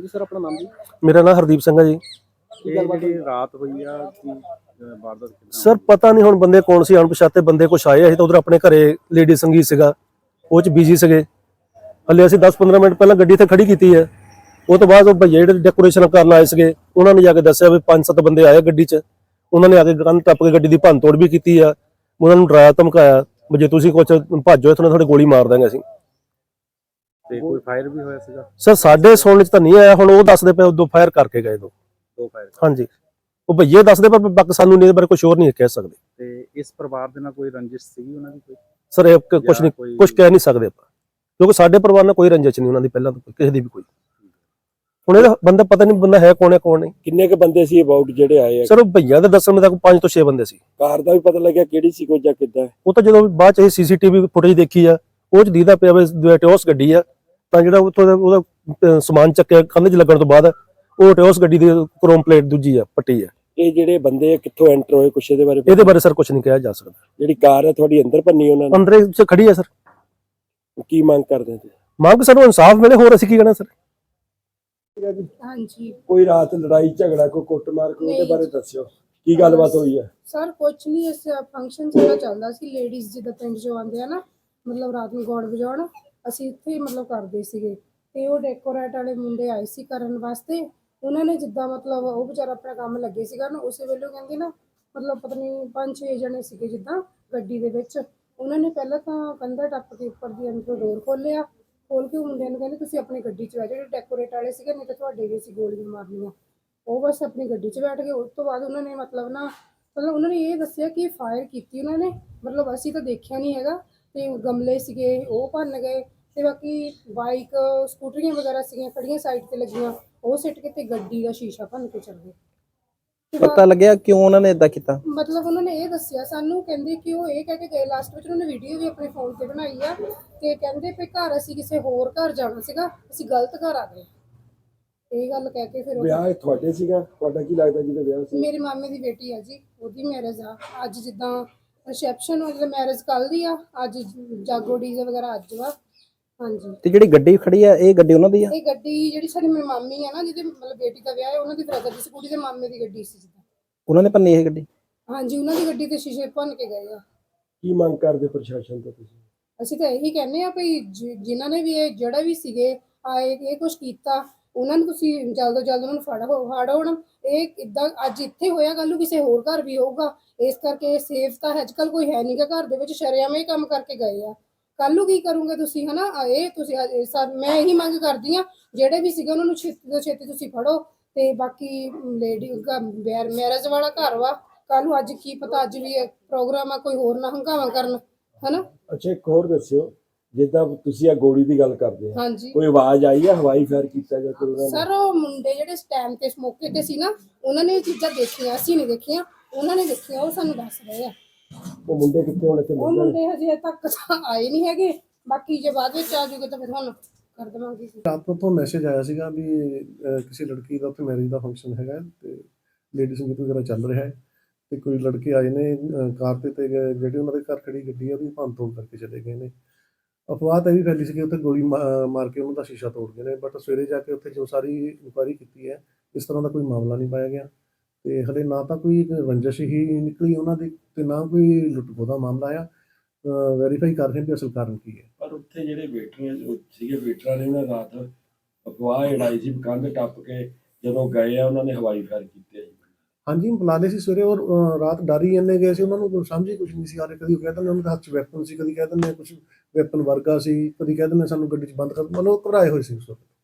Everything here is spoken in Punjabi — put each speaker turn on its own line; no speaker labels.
ਸਰ ਆਪਣਾ ਨਾਮ ਜੀ?
ਮੇਰਾ ਨਾਮ ਹਰਦੀਪ ਸਿੰਘ ਹੈ ਜੀ।
ਜਿਹੜੀ ਰਾਤ ਹੋਈ ਆ ਕੀ ਵਾਰਦਾਤ
ਸਰ ਪਤਾ ਨਹੀਂ ਹੁਣ ਬੰਦੇ ਕੌਣ ਸੀ, ਅਣਪਛਾਤੇ ਬੰਦੇ ਕੁਛ ਆਏ। ਅਸੀਂ ਤਾਂ ਉਧਰ ਆਪਣੇ ਘਰੇ ਲੇਡੀ ਸੰਗੀਤ ਸੀਗਾ, ਉਹ ਚ ਬਿਜੀ ਸੀਗੇ। ਹਲੇ ਅਸੀਂ 10-15 ਮਿੰਟ ਪਹਿਲਾਂ ਗੱਡੀ ਇੱਥੇ ਖੜੀ ਕੀਤੀ ਹੈ। ਉਹ ਤੋਂ ਬਾਅਦ ਉਹ ਭਈਏ ਜਿਹੜੇ ਡੈਕੋਰੇਸ਼ਨ ਕਰਨ ਆਏ ਸੀਗੇ, ਉਹਨਾਂ ਨੇ ਜਾ ਕੇ ਦੱਸਿਆ ਵੀ 5-7 ਬੰਦੇ ਆਏ ਗੱਡੀ 'ਚ। ਉਹਨਾਂ ਨੇ ਆ ਕੇ ਕੰਨ ਟੱਪ ਕੇ ਗੱਡੀ ਦੀ ਭੰਨ ਤੋੜ ਵੀ ਕੀਤੀ ਆ। ਉਹਨਾਂ ਨੂੰ ਡਰਾਇਆ ਧਮਕਾਇਆ ਵੀ ਜੇ ਤੁਸੀਂ ਕੁਛ ਭੱਜੋ ਇੱਥੋਂ ਤੁਹਾਡੇ ਗੋਲੀ ਮਾਰ ਦਾਂਗੇ ਅਸੀਂ।
ਤੇ ਕੋਈ ਫਾਇਰ ਵੀ ਹੋਇਆ ਸੀਗਾ?
ਸਰ ਸਾਡੇ ਸੁਣਨ 'ਚ ਤਾਂ ਨਹੀਂ ਆਇਆ, ਹੁਣ ਉਹ ਦੱਸਦੇ ਪਏ ਦੋ ਫਾਇਰ ਕਰਕੇ ਗਏ। ਦੋ
ਫਾਇਰ?
ਹਾਂਜੀ, ਉਹ ਭਈਏ ਦੱਸਦੇ ਪਰ ਬਾਕੀ ਸਾਨੂੰ ਨਹੀਂ ਬਾਰੇ ਕੁਝ ਹੋਰ ਨਹੀਂ ਕਹਿ ਸਕਦੇ।
ਤੇ ਇਸ ਪਰਿਵਾਰ ਦੇ ਨਾਲ ਕੋਈ ਰੰਜਿਸ਼ ਸੀਗੀ ਉਹਨਾਂ ਦੀ? ਕੋਈ
ਸਰ ਇਹ ਕੁਝ ਨਹੀਂ, ਕੁਝ ਕਹਿ ਨਹੀਂ ਸਕਦੇ ਆਪਾਂ, ਕਿਉਂਕਿ ਸਾਡੇ ਪਰਿਵਾਰ ਨਾਲ ਕੋਈ ਰੰਜਿਸ਼ ਨਹੀਂ ਉਹਨਾਂ ਦੀ ਪਹਿਲਾਂ ਤੋਂ ਕਿਸੇ ਦੀ ਵੀ ਕੋਈ। ਹੁਣ ਇਹਦਾ ਬੰਦਾ ਪਤਾ ਨਹੀਂ ਬੰਦਾ ਹੈ ਕੌਣ ਨਹੀਂ।
ਕਿੰਨੇ ਕ ਬੰਦੇ ਸੀ ਅਬਾਊਟ ਜਿਹੜੇ ਆਏ ਆ?
ਸਰ ਉਹ ਭਈਆ ਦੇ ਦੱਸਣ ਮੁਤਾਬਕ 5 ਤੋਂ 6 ਬੰਦੇ ਸੀ।
ਕਾਰ ਦਾ ਵੀ ਪਤਾ ਲੱਗਿਆ ਕਿਹੜੀ ਸੀ ਕੋਈ ਜਾਂ ਕਿੱਦਾਂ?
ਉਹ ਤਾਂ ਜਦੋਂ ਬਾਅਦ ਚ ਇਹ ਸੀਸੀਟੀਵੀ ਫੁਟੇਜ ਦੇਖੀ ਆ, ਉਹ ਚ ਦੀਦਾ ਪਿਆ ਵੀ ਟਿਓਸ ਗੱਡੀ ਆ। ਤਾਂ ਜਿਹੜਾ ਉੱਥੋਂ ਦਾ ਉਹਦਾ ਸਮਾਨ ਚੱਕਿਆ ਕੰਧ 'ਚ ਲੱਗਣ ਤੋਂ ਬਾਅਦ, ਉਹ ਟਿਓਸ ਗੱਡੀ ਦੀ ਕ੍ਰੋਮ ਪਲੇਟ ਦੂਜੀ ਆ ਪੱਟੀ ਆ।
ਇਹ ਜਿਹੜੇ ਬੰਦੇ ਕਿੱਥੋਂ ਐਂਟਰ ਹੋਏ ਕੁਛ ਇਹਦੇ ਬਾਰੇ?
ਇਹਦੇ ਬਾਰੇ ਸਰ ਕੁਝ ਨਹੀਂ ਕਿਹਾ ਜਾ ਸਕਦਾ।
ਜਿਹੜੀ ਕਾਰ ਹੈ ਤੁਹਾਡੀ ਅੰਦਰ ਭੰਨੀ ਉਹਨਾਂ ਨੇ?
ਅੰਦਰੇ ਚ ਖੜੀ ਆ ਸਰ।
ਕੀ ਮੰਗ ਕਰਦੇ ਤੁਸੀਂ?
ਮੰਗ ਸਾਨੂੰ ਇਨਸਾਫ ਮਿਲੇ, ਹੋਰ ਅਸੀਂ ਕੀ ਕਹਿਣਾ ਸਰ।
ਹਾਂਜੀ,
ਕੋਈ ਰਾਤ ਲੜਾਈ ਝਗੜਾ ਕੋਈ ਕੁੱਟਮਾਰ ਕੋਈ ਉਹਦੇ ਬਾਰੇ ਦੱਸਿਓ, ਕੀ ਗੱਲਬਾਤ ਹੋਈ ਹੈ?
ਸਰ ਕੁਛ ਨਹੀਂ, ਇਸ ਫੰਕਸ਼ਨ ਸਾਡਾ ਚੱਲਦਾ ਸੀ। ਲੇਡੀਜ਼ ਜਿੱਦਾਂ ਪਿੰਡ ਚੋਂ ਆਉਂਦੇ ਆ ਨਾ, ਮਤਲਬ ਰਾਤ ਨੂੰ ਗਾਉਣ ਵਜਾਉਣ, ਅਸੀਂ ਇੱਥੇ ਮਤਲਬ ਕਰਦੇ ਸੀਗੇ। ਤੇ ਉਹ ਡੈਕੋਰੇਟ ਵਾਲੇ ਮੁੰਡੇ ਆਏ ਸੀ ਕਰਨ ਵਾਸਤੇ। ਉਹਨਾਂ ਨੇ ਜਿੱਦਾਂ ਮਤਲਬ ਉਹ ਵਿਚਾਰਾ ਆਪਣਾ ਕੰਮ ਲੱਗੇ ਸੀਗਾ ਨਾ, ਉਸੇ ਵੇਲੇ ਕਹਿੰਦੇ ਨਾ ਮਤਲਬ ਪਤਾ ਨਹੀਂ 5-6 ਜਣੇ ਸੀਗੇ ਜਿੱਦਾਂ ਗੱਡੀ ਦੇ ਵਿੱਚ। ਉਹਨਾਂ ਨੇ ਪਹਿਲਾਂ ਤਾਂ ਕੰਧਾ ਟੱਪ ਕੇ ਉੱਪਰ ਦੀ ਅੰਦਰੋਂ ਡੋਰ ਖੋਲ੍ਹਿਆ, ਖੋਲ ਕੇ ਉਹ ਮੁੰਡਿਆਂ ਨੂੰ ਕਹਿੰਦੇ ਤੁਸੀਂ ਆਪਣੀ ਗੱਡੀ 'ਚ ਬੈਠ ਜਾਓ। ਜਿਹੜੇ ਡੈਕੋਰੇਟ ਵਾਲੇ ਸੀਗੇ, ਨਹੀਂ ਤਾਂ ਤੁਹਾਡੇ ਵੀ ਅਸੀਂ ਗੋਲੀਆਂ ਮਾਰਨੀਆਂ। ਉਹ ਬਸ ਆਪਣੀ ਗੱਡੀ 'ਚ ਬੈਠ ਗਏ। ਉਸ ਤੋਂ ਬਾਅਦ ਉਹਨਾਂ ਨੇ ਮਤਲਬ ਉਹਨਾਂ ਨੇ ਇਹ ਦੱਸਿਆ ਕਿ ਫਾਇਰ ਕੀਤੀ ਉਹਨਾਂ ਨੇ, ਮਤਲਬ ਅਸੀਂ ਤਾਂ ਦੇਖਿਆ ਨਹੀਂ ਹੈਗਾ। ਤੇ ਗਮਲੇ ਸੀਗੇ ਉਹ ਭੰਨ ਗਏ, ਤੇ ਬਾਕੀ ਬਾਈਕ ਸਕੂਟਰੀਆਂ ਵਗੈਰਾ ਸੀਗੀਆਂ ਖੜੀਆਂ ਸਾਈਡ ਤੇ ਲੱਗੀਆਂ, ਉਹ ਸਿੱਟ ਕੇ ਤੇ ਗੱਡੀ ਦਾ ਸ਼ੀਸ਼ਾ ਭੰਨ ਕੇ ਚਲੇ ਗਏ।
ਪਤਾ ਲੱਗਿਆ ਕਿਉਂ ਉਹਨਾਂ ਨੇ ਇਦਾਂ ਕੀਤਾ?
ਮਤਲਬ ਉਹਨਾਂ ਨੇ ਇਹ ਦੱਸਿਆ ਸਾਨੂੰ, ਕਹਿੰਦੇ ਕਿ ਉਹ ਇਹ ਕਹਿ ਕੇ ਗਏ ਲਾਸਟ ਵਿੱਚ, ਉਹਨਾਂ ਨੇ ਵੀਡੀਓ ਵੀ ਆਪਣੇ ਫੋਨ ਤੇ ਬਣਾਈ ਆ। ਤੇ ਕਹਿੰਦੇ ਵੀ ਘਰ ਅਸੀਂ ਕਿਸੇ ਹੋਰ ਘਰ ਜਾਣਾ ਸੀਗਾ, ਅਸੀਂ ਗਲਤ ਘਰ ਆ ਗਏ, ਇਹ ਗੱਲ ਕਹਿ ਕੇ ਫਿਰ
ਵਿਆਹ ਤੁਹਾਡੇ ਸੀਗਾ? ਤੁਹਾਡਾ ਕੀ ਲੱਗਦਾ ਜਿਹਦਾ ਵਿਆਹ ਸੀ?
ਮੇਰੇ ਮਾਮੇ ਦੀ ਬੇਟੀ ਆ ਜੀ, ਉਹਦੀ ਮੈਰਿਜ ਆ ਅੱਜ। ਜਿੱਦਾਂ ਰਿਸੈਪਸ਼ਨ ਮਤਲਬ ਮੈਰਿਜ ਕੱਲ ਦੀ ਆ, ਅੱਜ ਜਾਗੋ ਡੀਜੇ ਵਗੈਰਾ ਅੱਜ ਵਾ। ਹਾਂਜੀ।
ਤੇ ਜਿਹੜੀ ਗੱਡੀ ਖੜੀ ਆ, ਇਹ ਗੱਡੀ ਉਹਨਾਂ ਦੀ ਆ?
ਇਹ ਗੱਡੀ ਜਿਹੜੀ ਸਾਡੀ ਮੇਰੀ ਮਾਮੀ ਆ ਨਾ, ਜਿਹਦੇ ਮਤਲਬ ਬੇਟੀ ਦਾ ਵਿਆਹ ਹੈ, ਉਹਨਾਂ ਦੀ ਬ੍ਰਦਰ ਦੀ ਕੁੜੀ ਦੇ ਮਾਮੇ ਦੀ ਗੱਡੀ ਸੀ ਜਿੱਦਾਂ।
ਉਹਨਾਂ ਨੇ ਭੰਨੀ ਇਹ ਗੱਡੀ?
ਹਾਂਜੀ, ਉਹਨਾਂ ਦੀ ਗੱਡੀ ਤੇ ਸ਼ੀਸ਼ੇ ਭੰਨ ਕੇ ਗਏ ਆ।
ਕੀ ਮੰਗ ਕਰਦੇ ਪ੍ਰਸ਼ਾਸਨ ਤੋਂ ਤੁਸੀਂ?
ਅਸੀਂ ਤਾਂ ਇਹੀ ਕਹਿੰਦੇ ਆ ਵੀ ਜਿਨ੍ਹਾਂ ਨੇ ਵੀ ਇਹ ਜਿਹੜਾ ਵੀ ਸੀਗੇ ਆਏ ਇਹ ਕੁਛ ਕੀਤਾ, ਉਹਨਾਂ ਨੂੰ ਤੁਸੀਂ ਜਲਦ ਤੋਂ ਜਲਦ ਉਹਨਾਂ ਨੂੰ ਫੜੋ। ਹੁਣ ਇਹ ਇੱਦਾਂ ਅੱਜ ਇੱਥੇ ਹੋਇਆ, ਕੱਲ੍ਹ ਨੂੰ ਕਿਸੇ ਹੋਰ ਘਰ ਵੀ ਹੋਊਗਾ। ਇਸ ਕਰਕੇ ਸੇਫ ਤਾਂ ਅੱਜ ਕੱਲ੍ਹ ਕੋਈ ਹੈ ਨਹੀਂਗਾ ਘਰ ਦੇ ਵਿੱਚ, ਸ਼ਰੇਆਮ ਇਹ ਕੰਮ ਕਰਕੇ ਗਏ ਆ। ਕੱਲ੍ਹ ਨੂੰ ਕੀ ਕਰੋਗੇ ਤੁਸੀਂ, ਹੈ ਨਾ? ਇਹ ਤੁਸੀਂ ਮੈਂ ਇਹੀ ਮੰਗ ਕਰਦੀ ਹਾਂ, ਜਿਹੜੇ ਵੀ ਸੀਗੇ ਉਹਨਾਂ ਨੂੰ ਛੇਤੀ ਤੋਂ ਛੇਤੀ ਤੁਸੀਂ ਫੜੋ। ਤੇ ਬਾਕੀ ਲੇਡੀ ਮੈਰਿਜ ਵਾਲਾ ਘਰ ਵਾ, ਕੱਲ੍ਹ ਨੂੰ ਅੱਜ ਕੀ ਪਤਾ ਅੱਜ ਵੀ ਪ੍ਰੋਗਰਾਮ ਆ, ਕੋਈ ਹੋਰ ਨਾ ਹੰਗਾਵਾ ਕਰਨ, ਹੈ ਨਾ?
ਅੱਛਾ, ਇੱਕ ਹੋਰ ਦੱਸਿਓ, ਜਿੱਦਾਂ ਤੁਸੀਂ ਆ ਗੋਲੀ ਦੀ ਗੱਲ ਕਰਦੇ ਆ,
ਹਾਂਜੀ,
ਕੋਈ ਆਵਾਜ਼ ਆਈ ਆ ਹਵਾਈ ਫਾਇਰ ਕੀਤਾ ਜਾਂ ਕੋਈ?
ਸਰ ਉਹ ਮੁੰਡੇ ਜਿਹੜੇ ਸਟੈਂਡ ਤੇ ਮੌਕੇ ਤੇ ਸੀ ਨਾ, ਉਹਨਾਂ ਨੇ ਇਹ ਚੀਜ਼ਾਂ ਦੇਖੀਆਂ, ਅਸੀਂ ਨਹੀਂ ਦੇਖੀਆਂ, ਉਹਨਾਂ ਨੇ ਦੇਖੀਆਂ, ਉਹ ਸਾਨੂੰ ਦੱਸ ਰਹੇ ਆ।
ਉਹ ਮੁੰਡੇ ਕਿੱਥੇ ਹੋਣੇ ਤੇ?
ਉਹ ਮੁੰਡੇ ਹਜੇ ਤੱਕ ਤਾਂ ਆਏ ਨਹੀਂ ਹੈਗੇ, ਬਾਕੀ ਜੇ ਬਾਅਦ ਵਿੱਚ ਆ ਜੂਗੇ ਤਾਂ ਫਿਰ ਤੁਹਾਨੂੰ ਕਰ ਦੇਵਾਂਗੇ।
ਰਾਤ ਤੋਂ ਮੈਸੇਜ ਆਇਆ ਸੀਗਾ ਵੀ ਕਿਸੇ ਲੜਕੀ ਦਾ ਉੱਥੇ ਮੈਰਿਜ ਦਾ ਫੰਕਸ਼ਨ ਹੈਗਾ ਤੇ ਲੇਡੀ ਸੰਗੀਤ ਵਗੈਰਾ ਚੱਲ ਰਿਹਾ ਹੈ, ਤੇ ਕੋਈ ਲੜਕੇ ਆਏ ਨੇ ਕਾਰ ਤੇ ਜਿਹੜੀ ਉਹਨਾਂ ਦੇ ਘਰ ਖੜੀ ਗੱਡੀ ਆ ਉਹਦੀ ਭੰਨ ਤੋੜ ਕਰਕੇ ਚਲੇ ਗਏ ਨੇ। ਅਫਵਾਹ ਤਾਂ ਇਹ ਵੀ ਫੈਲੀ ਸੀ ਕਿ ਉੱਥੇ ਗੋਲੀ ਮਾਰ ਕੇ ਉਹਨਾਂ ਦਾ ਸ਼ੀਸ਼ਾ ਤੋੜ ਗਏ ਨੇ, ਬਟ ਸਵੇਰੇ ਜਾ ਕੇ ਉੱਥੇ ਜੋ ਸਾਰੀ ਇਨਕੁਆਇਰੀ ਕੀਤੀ ਹੈ, ਇਸ ਤਰ੍ਹਾਂ ਦਾ ਕੋਈ ਮਾਮਲਾ ਨਹੀਂ ਪਾਇਆ ਗਿਆ। ਤੇ ਹਲੇ ਨਾ ਤਾਂ ਕੋਈ ਰੰਜਿਸ਼ ਹੀ ਨਿਕਲੀ ਉਹਨਾਂ ਦੀ, ਤੇ ਨਾ ਕੋਈ ਲੁੱਟ-ਖੋਹ ਦਾ ਮਾਮਲਾ ਆ। ਵੈਰੀਫਾਈ ਕਰ ਰਹੇ ਵੀ ਅਸਲ ਕਾਰਨ ਕੀ ਹੈ।
ਪਰ ਉੱਥੇ ਜਿਹੜੇ ਵੇਟਰੀਆਂ ਸੀਗੇ, ਵੇਟਰਾਂ ਨੇ ਉਹਨਾਂ ਰਾਤ ਅਫਵਾਹ ਉਡਾਈ ਸੀ, ਕੰਧ ਟੱਪ ਕੇ ਜਦੋਂ ਗਏ ਆ ਉਹਨਾਂ ਨੇ ਹਵਾਈ ਫਾਇਰ ਕੀਤੇ।
ਹਾਂਜੀ, ਬੁਲਾ ਲਏ ਸੀ ਸਵੇਰੇ, ਔਰ ਰਾਤ ਡਰ ਹੀ ਇੰਨੇ ਗਏ ਸੀ, ਉਹਨਾਂ ਨੂੰ ਸਮਝ ਹੀ ਕੁਛ ਨਹੀਂ ਸੀ ਆ ਰਿਹਾ। ਕਦੀ ਉਹ ਕਹਿ ਦਿੰਦੇ ਉਹਨਾਂ ਦੇ ਹੱਥ 'ਚ ਵੈਪਨ ਸੀ, ਕਦੀ ਕਹਿ ਦਿੰਦੇ ਕੁਛ ਵੈਪਨ ਵਰਗਾ ਸੀ, ਕਦੀ ਕਹਿ ਦਿੰਦੇ ਸਾਨੂੰ ਗੱਡੀ 'ਚ ਬੰਦ ਕਰ, ਮਤਲਬ ਘਬਰਾਏ ਹੋਏ ਸੀ ਉਸ ਵਕਤ।